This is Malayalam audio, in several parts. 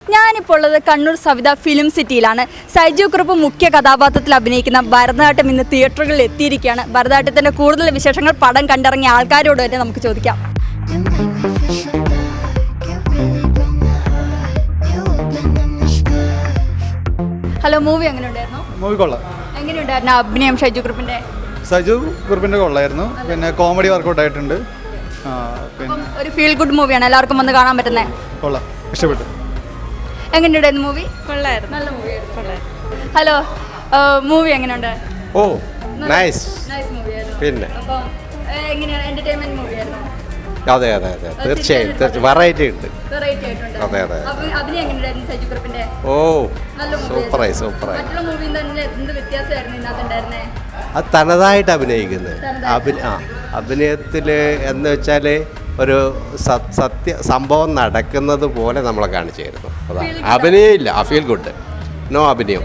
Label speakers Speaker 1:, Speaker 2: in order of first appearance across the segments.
Speaker 1: ഞാനിപ്പോൾ ഉള്ളത് കണ്ണൂർ സവിത ഫിലിം സിറ്റിയിലാണ്. സൈജു കുറുപ്പ് മുഖ്യ കഥാപാത്രത്തിൽ അഭിനയിക്കുന്ന ഭരതനാട്യം ഇന്ന് തിയേറ്ററുകളിൽ എത്തിയിരിക്കുകയാണ്. ഭരതനാട്യത്തിൻ്റെ കൂടുതൽ വിശേഷങ്ങൾ പടം കണ്ടിറങ്ങിയ ആൾക്കാരോട് തന്നെ നമുക്ക് ചോദിക്കാം. ഹലോ, മൂവി എങ്ങനെ ഉണ്ടായിരുന്നു?
Speaker 2: മൂവി കൊള്ളാം.
Speaker 1: എങ്ങനെയുണ്ടായിരുന്നു അഭിനയം സൈജു കുറുപ്പിൻ്റെ?
Speaker 2: സൈജു കുറുപ്പിൻ്റെ കൊള്ളായിരുന്നു. പിന്നെ കോമഡി വർക്കൗട്ട് ആയിട്ടുണ്ട്. പിന്നെ
Speaker 1: ഒരു ഫീൽ ഗുഡ് മൂവിയാണ്, എല്ലാവർക്കും വന്ന് കാണാൻ പറ്റുന്നത്.
Speaker 2: കൊള്ളാം, ഇഷ്ടപ്പെട്ടു.
Speaker 1: എങ്ങനെയുണ്ടായിരുന്നു മൂവി?
Speaker 3: കൊള്ളായിരുന്നു.
Speaker 1: നല്ല മൂവിയായിരുന്നു. ഹലോ, മൂവി എങ്ങനെയുണ്ട്?
Speaker 4: ഓ നൈസ്.
Speaker 1: നൈസ് മൂവിയായിരുന്നു.
Speaker 4: പിന്നെ
Speaker 1: അപ്പം എങ്ങനെയാണ്, എന്റർടൈൻമെന്റ് മൂവിയായിരുന്നു?
Speaker 4: അതെ അതെ അതെ തീർച്ചയായും വെറൈറ്റി ഉണ്ട്.
Speaker 1: വെറൈറ്റി ആയിട്ടുണ്ട്.
Speaker 4: അതെ അതെ
Speaker 1: അഭിനയം എങ്ങനെയുണ്ടായിരുന്നു സൈജു കുറുപ്പിന്റെ?
Speaker 4: ഓ
Speaker 1: നല്ല
Speaker 4: സൂപ്പറായി സൂപ്പറായി.
Speaker 1: മറ്റുള്ള മൂവിയിൽ തന്നെ എന്ത് വ്യത്യാസമായിരുന്നു ഇതിനകത്തുണ്ടായിരുന്നേ?
Speaker 4: അത് തനതായിട്ട് അഭിനയിക്കുന്നത്. അഭിനയത്തിൽ എന്ന് വെച്ചാൽ ഒരു സംഭവം നടക്കുന്നത് പോലെ നമ്മളെ കാണിച്ചു തരുന്നു. അതാണ് അഭിനയം ഇല്ല, ആ ഫീൽ ഗുഡ്, നോ അഭിനയം.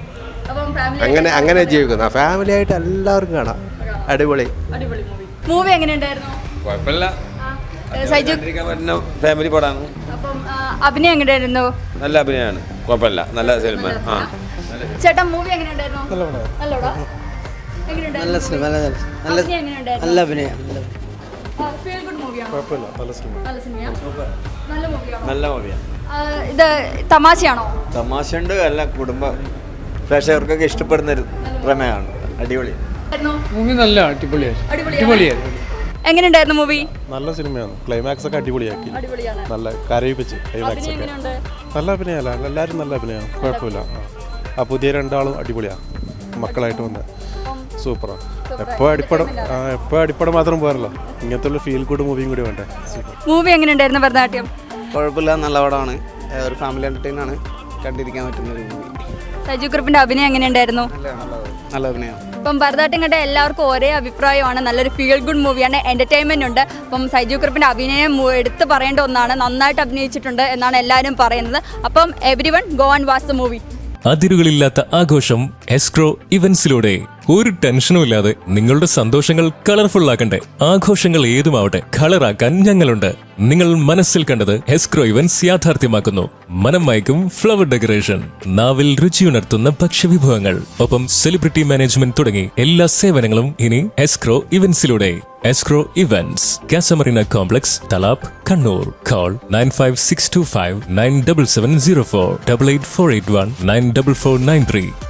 Speaker 4: അങ്ങനെ ജീവിക്കുന്ന ഫാമിലി ആയിട്ട് എല്ലാവർക്കും കാണാം. അടിപൊളി
Speaker 1: മൂവി എങ്ങനെയുണ്ടായിരുന്നു?
Speaker 5: കുഴപ്പമില്ല,
Speaker 1: സൈജു
Speaker 5: ഫാമിലി പടമാണ്.
Speaker 1: അപ്പം അഭിനയം എങ്ങനെയായിരുന്നു?
Speaker 5: നല്ല അഭിനയമാണ്, കുഴപ്പമില്ല, നല്ല സിനിമ.
Speaker 1: ചേട്ടാ, മൂവി എങ്ങനെയുണ്ടായിരുന്നു? നല്ലോടാ.
Speaker 6: നല്ല സിനിമ, നല്ല അഭിനയം.
Speaker 1: ഫീൽ ഗുഡ് മൂവിയാണോ?
Speaker 2: കുഴപ്പമില്ല, നല്ല സിനിമ.
Speaker 1: നല്ല സിനിമയാ? നല്ല മൂവിയാണോ?
Speaker 5: നല്ല മൂവിയാണ്.
Speaker 1: ഇത് തമാശയാണോ?
Speaker 5: തമാശയുണ്ട്, അല്ല കുടുംബ പ്രേക്ഷകർക്കൊക്കെ ഇഷ്ടപ്പെടുന്ന ഒരു പ്രമേയമാണ്. അടിപൊളി
Speaker 7: മൂവി, നല്ല അടിപൊളിയായിരുന്നു.
Speaker 1: എങ്ങനെയുണ്ടായിരുന്നു മൂവി?
Speaker 8: നല്ല സിനിമയാണ്. ക്ലൈമാക്സ് ഒക്കെ അടിപൊളിയാക്കി,
Speaker 1: അടിപൊളിയാണ്.
Speaker 8: നല്ല കരയിപ്പിച്ച് ക്ലൈമാക്സ് ഒക്കെ. നല്ല അഭിനയമല്ല, എല്ലാവരും നല്ല അഭിനയമാണ്, കുഴപ്പമില്ല. ആ പുതിയ രണ്ടാളും അടിപൊളിയാണ്, മക്കളായിട്ട് വന്ന് സൂപ്പറാണ്. എപ്പോൾ അടിപ്പടം മാത്രം പോരല്ലോ, ഇങ്ങനത്തെ ഉള്ള ഫീൽ ഗുഡ് മൂവിയും കൂടി വേണ്ടേ.
Speaker 1: മൂവി എങ്ങനെയുണ്ടായിരുന്നു ഭരതനാട്യം?
Speaker 6: കുഴപ്പമില്ല, നല്ല പടമാണ്. ഒരു ഫാമിലി എൻ്റർടൈൻ ആണ്, കണ്ടിരിക്കാൻ പറ്റുന്ന ഒരു മൂവി.
Speaker 1: സൈജു കുറുപ്പിന്റെ അഭിനയം എങ്ങനെയുണ്ടായിരുന്നു?
Speaker 6: നല്ല അഭിനയം.
Speaker 1: ഇപ്പം ഭരതനാട്യം കണ്ട എല്ലാവർക്കും ഒരേ അഭിപ്രായമാണ്, നല്ലൊരു ഫീൽ ഗുഡ് മൂവിയാണ്, എന്റർടൈൻമെന്റ് ഉണ്ട്. അപ്പം സൈജു കുറുപ്പിന്റെ അഭിനയം എടുത്ത് പറയേണ്ട ഒന്നാണ്, നന്നായിട്ട് അഭിനയിച്ചിട്ടുണ്ട് എന്നാണ് എല്ലാവരും പറയുന്നത്. അപ്പം everyone go and watch the movie.
Speaker 9: അതിരുകളില്ലാത്ത ആഘോഷം എസ്ക്രോ ഇവന്റ്സിലൂടെ. ഒരു ടെൻഷനും ഇല്ലാതെ നിങ്ങളുടെ സന്തോഷങ്ങൾ കളർഫുൾ ആക്കണ്ടേ? ആഘോഷങ്ങൾ ഏതുമാവട്ടെ, കളറാക്കാൻ ഞങ്ങളുണ്ട്. നിങ്ങൾ മനസ്സിൽ കണ്ടത് എസ്ക്രോ ഇവന്റ്സ് യാഥാർത്ഥ്യമാക്കുന്നു. മനം മയക്കും ഫ്ലവർ ഡെക്കറേഷൻ, നാവിൽ രുചിയുണർത്തുന്ന ഭക്ഷ്യവിഭവങ്ങൾ, ഒപ്പം സെലിബ്രിറ്റി മാനേജ്മെന്റ് തുടങ്ങി എല്ലാ സേവനങ്ങളും ഇനി എസ്ക്രോ ഇവന്റ്സിലൂടെ. Escro events, Casamarina complex, Thalap, Kannur. Call 9562597704 8848194493.